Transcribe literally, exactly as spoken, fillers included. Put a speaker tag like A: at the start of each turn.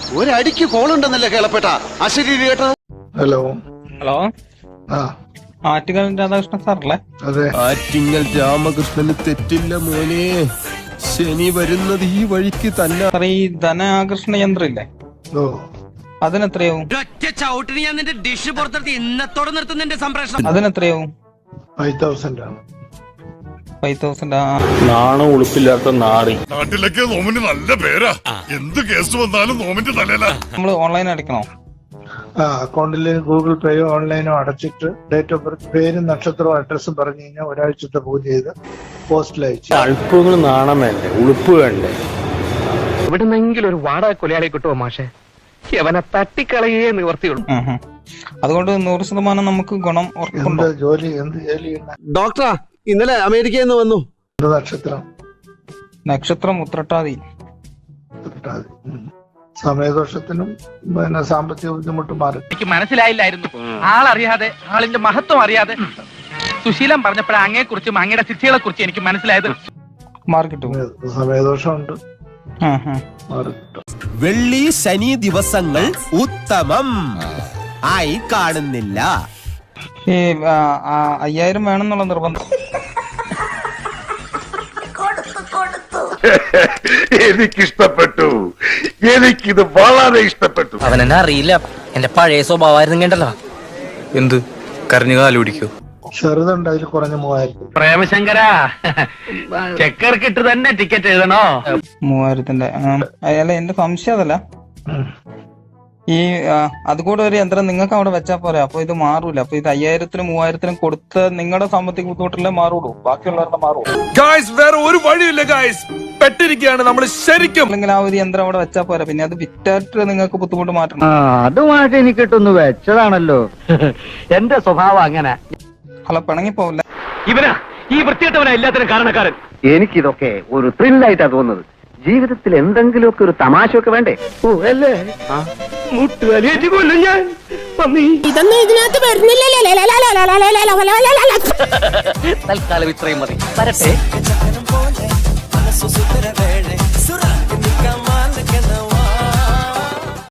A: ഒരടിക്ക് കോളുണ്ടെന്നല്ലേ കേളപ്പെട്ട അശരീരി കേട്ടത്.
B: Hello
C: hello
B: ആ
C: ആറ്റുകാൽ രാധാകൃഷ്ണൻ സാറല്ലേ?
B: അതെ.
D: ആറ്റിങ്ങൽ രാമകൃഷ്ണന് തെറ്റില്ല മോനെ, ശനി വരുന്നത് ഈ വഴിക്ക് തന്നെ.
C: സാർ ഈ ധനാകർഷണ യന്ത്രം ഇല്ലേ,
B: ഓ
C: അതിനെത്രയാവും?
E: ഡിഷ് പുറത്തെടുത്ത് ഇന്നത്തോടെ നിർത്തുന്നതിന്റെ സംപ്രേഷണം
C: അതിനെത്രയാവും?
B: ഫൈവ് തൗസൻഡ് ആണ്.
C: Five thousand.
F: നാണ ഉളുപ്പില്ലാത്ത നാറി.
G: നാട്ടിലൊക്കെ നോമിന് നല്ല പേരാ, എന്ത് കേസ് വന്നാലും നോമിന്റെ തലയില.
C: നമ്മള് ഓൺലൈൻ അടയ്ക്കണോ?
B: ആ അക്കൗണ്ടിൽ ഗൂഗിൾ പേയോ ഓൺലൈനോ അടച്ചിട്ട് ഡേറ്റ് ഓഫ് ബർത്ത് പേരും നക്ഷത്രവും അഡ്രസ്സും പറഞ്ഞു കഴിഞ്ഞാൽ ഒരാഴ്ചത്തെ പൂജ ചെയ്ത് പോസ്റ്റിൽ അയച്ചു.
F: അല്പങ്ങൾ നാണം വേണ്ടേ, ഉളുപ്പ് വേണ്ടേ?
E: എവിടുന്നെങ്കിലും ഒരു വാടക കൊലയാളി കിട്ടുമോ മാഷെ? അവനെ തട്ടിക്കളയേ നിവർത്തിയുള്ളൂ.
C: അതുകൊണ്ട് നൂറ് ശതമാനം നമുക്ക് ഗുണം
B: എന്ത്
C: ഉറപ്പുണ്ടോ?
B: ജോലി എന്ത് ജോലി ചെയ്യുന്ന
A: ഡോക്ടറാ ഇന്നലെ അമേരിക്കയിൽ നിന്ന് വന്നു.
B: എന്ത് നക്ഷത്രം?
C: നക്ഷത്രം ഉത്രട്ടാതി.
B: കിട്ടാതെ. ഉം. സമയദോഷത്തിനും പിന്നെ സാമ്പത്തിക ബുദ്ധിമുട്ടും മാറി.
E: എനിക്ക് മനസ്സിലായില്ലായിരുന്നു, ആളറിയാതെ ആളിന്റെ മഹത്വം അറിയാതെ സുശീലം പറഞ്ഞപ്പോഴാണ് അങ്ങയെ കുറിച്ചും അങ്ങയുടെ സിദ്ധികളെ കുറിച്ച് എനിക്ക് മനസ്സിലായത്.
C: മാർക്ക് കിട്ടും.
B: സമയദോഷമുണ്ട്,
C: ആ, ആ.
B: മാറി കിട്ടും.
D: വെള്ളി ശനി ദിവസങ്ങൾ ഉത്തമം ആയി കാണുന്നില്ല.
C: ഈ ആ, ആ, അയ്യായിരം വേണമെന്നുള്ള നിർബന്ധം.
G: എനിക്കിഷ്ടപ്പെട്ടു, എനിക്കിത് വളരെ ഇഷ്ടപ്പെട്ടു.
E: അവൻ എന്നെ അറിയില്ല, എന്റെ പഴയ സ്വഭാവമായിരുന്നു കേട്ടല്ലോ.
F: എന്ത് കരഞ്ഞു കാലുപിടിക്കോ?
B: ചെറുതുണ്ട്, അതിൽ കുറഞ്ഞ മൂവായിരത്തി.
E: പ്രേമശങ്കര ചെക്കർക്കിട്ട് തന്നെ ടിക്കറ്റ് എഴുതണോ?
C: മൂവായിരത്തിന്റെ. ആ, അല്ല എന്റെ സംശയം അതല്ല, ഈ ആ, അതുകൂടെ ഒരു യന്ത്രം നിങ്ങൾക്ക് അവിടെ വെച്ചാൽ പോരെ, അപ്പൊ ഇത് മാറൂല. അപ്പൊ ഇത് അയ്യായിരത്തിനും മൂവായിരത്തിനും കൊടുത്ത് നിങ്ങളുടെ സാമ്പത്തിക ബുദ്ധിമുട്ടില്ലേ മാറുള്ളൂ, ബാക്കിയുള്ളവരുടെ മാറുള്ളൂ.
D: ഗായ്സ് വേറെ ഒരു വഴിയില്ല ഗായ്സ്, പെട്ടിരിക്കുകയാണ് നമ്മൾ ശരിക്കും.
C: അല്ലെങ്കിൽ ആ ഒരു യന്ത്രം അവിടെ വെച്ചാൽ പോരാ, പിന്നെ അത് വിറ്റായിട്ട് നിങ്ങൾക്ക് ബുദ്ധിമുട്ട് മാറ്റണം.
E: അതുമായിട്ട് എനിക്കിട്ടൊന്ന് വെച്ചതാണല്ലോ. എന്റെ സ്വഭാവം അങ്ങനെ.
C: അല്ല പിണങ്ങിപ്പോവില്ല.
E: ഇവനാ ഈ വൃത്തിയിട്ടവനാ എല്ലാത്തിനും കാരണക്കാരൻ. എനിക്കിതൊക്കെ ഒരു ത്രില്ലായിട്ടാ തോന്നുന്നത്. ജീവിതത്തിൽ എന്തെങ്കിലുമൊക്കെ ഒരു തമാശയൊക്കെ വേണ്ടേ? ഓ അല്ലേ, മുട്ടുവലിയേറ്റ് കൊല്ലും ഞാൻ.
H: ഇതൊന്നും ഇതിനകത്ത് വരുന്നില്ലല്ലോ.
E: തൽക്കാലം ഇത്രയും മതി. വരട്ടെ.